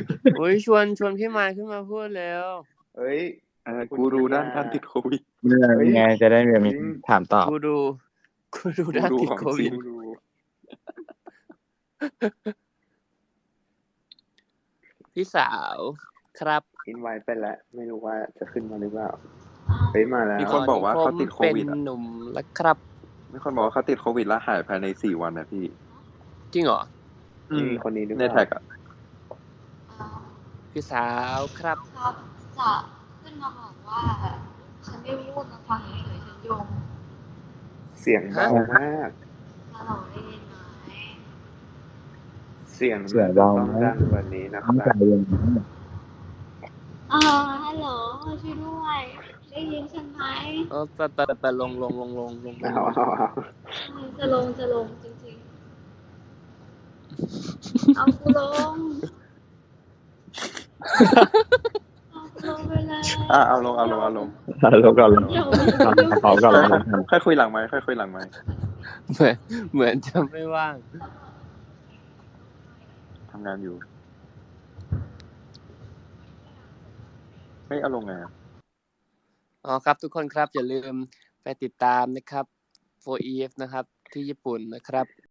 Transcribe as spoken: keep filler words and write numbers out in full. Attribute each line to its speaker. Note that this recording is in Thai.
Speaker 1: โอ้ยชวนชวนพี่มายขึ้นมาพูดแล้ว
Speaker 2: เอ้ย
Speaker 3: เออกูรู้ด้านการติดโควิด
Speaker 4: เมื่อไงจะได้แบบมีถามตอบ
Speaker 1: กูดูกูดูด้านติดโควิดพี่สาวครับ
Speaker 2: อินไว้ไปแล้วไม่รู้ว่าจะขึ้นมาหรือเปล่าเฮ้ยมาแล้ว
Speaker 3: มีคนบอกว่าเขาติดโควิด
Speaker 1: เป็น
Speaker 3: อ่ะ
Speaker 1: หนุ่มแล้วครับ
Speaker 3: มีคนบอกว่าเขาติดโควิดแล้วหายภายในสี่วันนะพี่
Speaker 1: จริงเหรอ
Speaker 2: มีคนนี้หรือเป
Speaker 3: ใน
Speaker 2: ล่า
Speaker 3: แท็กอ่ะ
Speaker 1: พี่สาวครับ
Speaker 5: ครับจะขึ้นมาบอกว่าฉันไม่พูดนะฟังเฉยๆฉันโยง
Speaker 2: เสียงเบามาก
Speaker 5: ฮัลโหลได้ยินไหม
Speaker 2: เสียง
Speaker 4: เสียงเบา
Speaker 2: ต้อง
Speaker 4: ไหม
Speaker 2: ดังกว่านี้นะค
Speaker 4: ต้อง
Speaker 2: รั
Speaker 4: ใจ
Speaker 2: บ
Speaker 4: เย็น
Speaker 5: เออฮัลโหลช่วยด้วยได้ยินฉันไหม
Speaker 1: เออแต่แต่แต่ลงลงลงลงลงลง
Speaker 2: เอาเอาเอา
Speaker 5: จะลงจะลงจริงๆเอากูลงเอากูลงไปเลย
Speaker 3: อ่ะเอาลงเอาลงเอาลง
Speaker 4: ลงก่อนลง
Speaker 5: เดี๋ยว
Speaker 4: ขอก่อนลง
Speaker 3: ค่อยคุยหลังไหมค์ค่อยคุยหลังไหมค์
Speaker 1: เหมือนเหมือนจะไม่ว่าง
Speaker 3: ทำงานอยู่ไม่เอาลงไงอะ
Speaker 1: อ๋อครับทุกคนครับอย่าลืมไปติดตามนะครับ โฟร์ อี เอฟ นะครับที่ญี่ปุ่นนะครับ